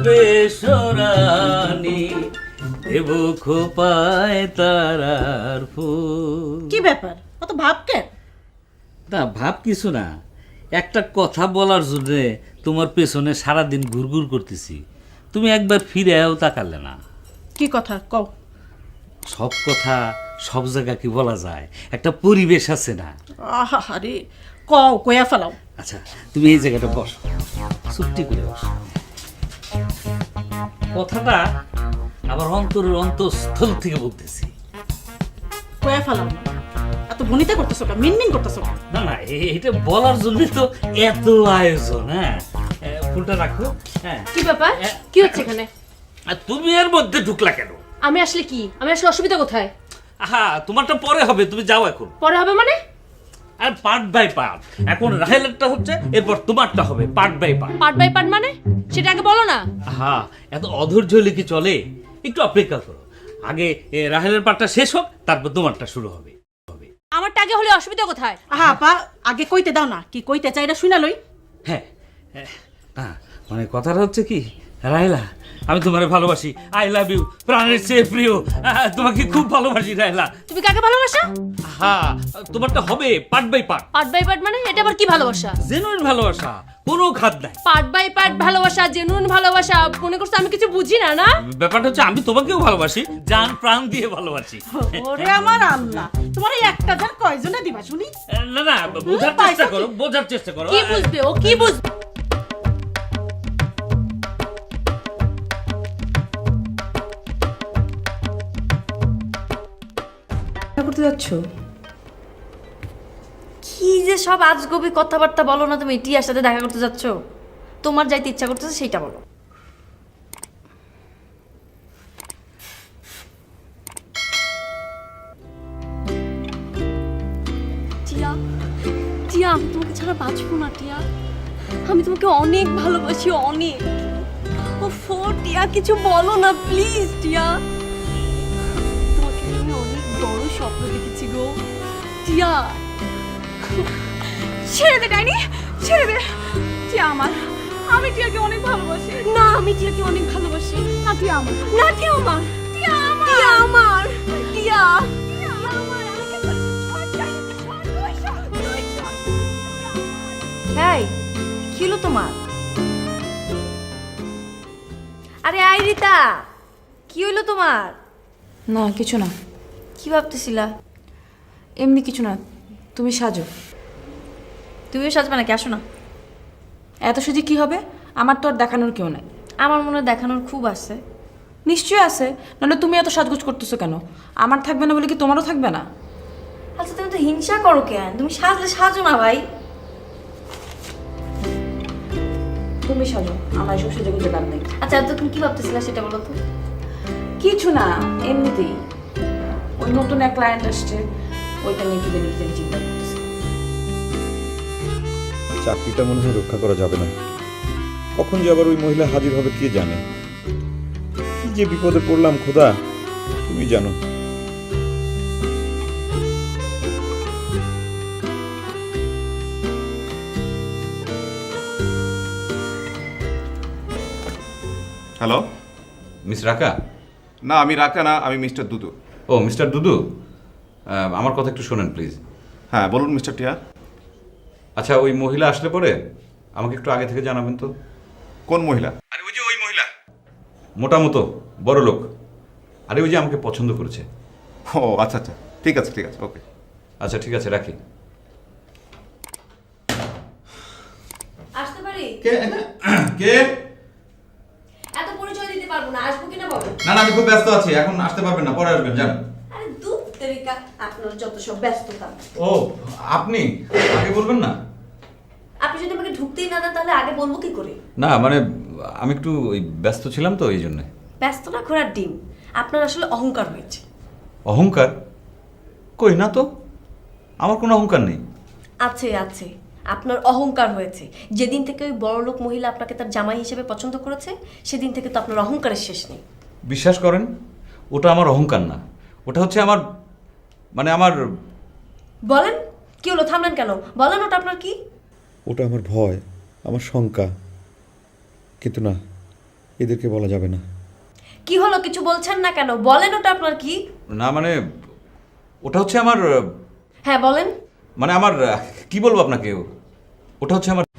বেসরানি দেব খোপায় তারার ফুল। কি ব্যাপার, অত ভাব কেন? না ভাব কিছু না, একটা কথা বলার জন্য তোমার পেছনে সারাদিন ঘুরঘুর করতেছি, তুমি একবার ফিরেও তাকালে না। কি কথা কও? সব কথা সব জায়গা কি বলা যায়? একটা পরিবেশ আছে না? আহা আরে কও, কয়া ফেলাও। আচ্ছা তুমি এই জায়গাটা বসো, চুপটি করে বসো। কথাটা আমার অন্তরের অন্তঃস্থল থেকে বলতেছি। কয়া ফেলাও না, এত ভনিতা করতেছো কেন, মিনমিন করতেছো কেন? না না, এটা বলার জন্য তো এত আয়োজন। হ্যাঁ ফুলটা রাখো। হ্যাঁ কি ব্যাপার? কি হচ্ছে এখানে? আর তুমি এর মধ্যে ঢুকলা কেন? আমি আসলে কি, আমি আসলে অসুবিধা কোথায়? আহা তোমারটা পরে হবে, তুমি যাও এখন। পরে হবে মানে? আর পার্ট বাই পার্ট, এখন রাহেলেরটা হচ্ছে, এরপর তোমারটা হবে part by part. Part by part মানে সেটা আগে বলো না। হ্যাঁ এত অধৈর্য হলে কি চলে? একটু অপেক্ষা করো, আগে রাহেলের পার্টটা শেষ হোক, তারপর তোমারটা শুরু হবে। আমারটা আগে হলে অসুবিধা কোথায়? আহা আপা, আগে কইতে দাও না, কি কইতে চাই এটা শুনা লই। হ্যাঁ হ্যাঁ, মানে কথাটা হচ্ছে কি রাহেলা, আমি তোমারে ভালোবাসি, আই লাভ ইউ, প্রাণের চেয়ে প্রিয়, তোমাকে খুব ভালোবাসি রাহেলা। তুমি কাকে ভালোবাসা? হ্যাঁ তোমারটা হবে part by part. Part by part মানে এটা আবার কি ভালোবাসা? জেনুইন ভালোবাসা, কোনো খাদ নাই। পার্ট বাই পার্ট ভালোবাসা, জেনুইন ভালোবাসা, মনে করছো আমি কিছু বুঝি না? না ব্যাপারটা হচ্ছে আমি তোমাকেও ভালোবাসি, জান প্রাণ দিয়ে ভালোবাসি। ওরে আমার আল্লাহ, তোমার এই একটা জন কয়জনে দিবা শুনি? না না, বোঝার চেষ্টা করো, বোঝার চেষ্টা করো। কি বুঝবে ও, কি বুঝবে? করতে যাচ্ছ? কি যে সব আজগবি কথাবার্তা বলো না তুমি। টিয়ার সাথে দেখা করতে যাচ্ছ? তোমার যাইতে ইচ্ছা করতেছে সেইটা বলো। টিয়া, টিয়া আমি তোমাকে ছাড়া বাঁচবো না টিয়া, আমি তোমাকে অনেক ভালোবাসি, অনেক। ও টিয়া কিছু বলো না প্লিজ টিয়া, তোমাকে আমি অনেক বড় স্বপ্ন দেখেছি গো টিয়া। ছেড়ে দে ডাইনি, ছেড়ে দে। টিয়া আমার, আমি টিয়াকে অনেক ভালোবাসি। না আমি টিয়াকে অনেক ভালোবাসি। না টিয়া আমার, না টিয়া আমার, টিয়া আমার, টিয়া আমার, টিয়া হ্যাঁ কি হলো তোমার? আরে আই রিতা, কি হইলো তোমার? না কিছু না, কি ভাবতেছিলা? এমনি কিছু না। তুমি সাজো। তুমিও সাজবে নাকি? আসো না। এত সুজি কি হবে? আমার তো আর দেখানোর কেউ নাই। আমার মনে হয় দেখানোর খুব আছে। নিশ্চয়ই আছে, নাহলে তুমি এত সাজগোজ করতেছো কেন? আমার থাকবে না বলে কি তোমারও থাকবে না? আচ্ছা তুমি তো হিংসা করো কেন? তুমি সাজলে সাজো না ভাই। তুমি সাজো, আমার এসব সেজে গুজে কাজ নেই। আচ্ছা তুমি কি ভাবতেছিলা সেটা বলো তো। কিছু না, এমনিতেই ওই নতুন এক ক্লায়েন্ট আসছে, ওইটা নিয়ে কি জানি চিন্তা করতেছি। চাকরিটা মনে হয় রক্ষা করা যাবে না। কখন যে আবার ওই মহিলা হাজির হবে কে জানে। কি যে বিপদে পড়লাম খোদা, তুমি জানো। হ্যালো, মিস রাকা? না আমি রাকা না, আমি মিস্টার দুদু। ও মিস্টার দুদু, আমার কথা একটু শোনেন প্লিজ। হ্যাঁ বলুন মিস্টার টিয়া। আচ্ছা ওই মহিলা আসলে পরে আমাকে একটু আগে থেকে জানাবেন তো। কোন মহিলা? আরে ওই যে ওই মহিলা, মোটামতো বড় লোক। আরে ওই যে আমাকে পছন্দ করেছে। ও আচ্ছা আচ্ছা, ঠিক আছে ঠিক আছে, ওকে। আচ্ছা ঠিক আছে, রাখি। আসতে পারি? কে কে? এত পরিচয় দিতে পারবো না, আসবো কিনা বলো। না না, আমি খুব ব্যস্ত আছি, এখন আসতে পারবেন না, পরে আসবেন, যান। আরে দূর তেরিকা, আপনার যত সব ব্যস্ততা। ও আপনি আগে বলবেন না? আপনি যদি আমাকে ঢুকতেই না দেন তাহলে আগে বলবো কি করে? না মানে আমি একটু ওই ব্যস্ত ছিলাম তো এই জন্যে। ব্যস্ত না ঘোড়ার ডিম, আপনার আসলে অহংকার হয়েছে। অহংকার? কই না তো, আমার কোনো অহংকার নেই। আছে আছে, আপনার অহংকার হয়েছে। যেদিন থেকে ওই বড়লোক মহিলা আপনাকে তার জামাই হিসেবে পছন্দ করেছে, সেদিন থেকে তো আপনার অহংকারের শেষ নেই। বিশ্বাস করেন, ওটা আমার অহংকার না, ওটা হচ্ছে আমার মানে আমার। বলেন কি হলো, থামলেন কেন? বলেন ওটা আপনার কি? ওটা আমার ভয়, আমার শঙ্কা। কিন্তু না, এদেরকে বলা যাবে না। কি হলো, কিছু বলছেন না কেন? বলেন, ওটা আপনার কি? না মানে ওটা হচ্ছে আমার হ্যাঁ বলেন। মানে আমার কি বলবো আপনাকে, ওটা হচ্ছে আমার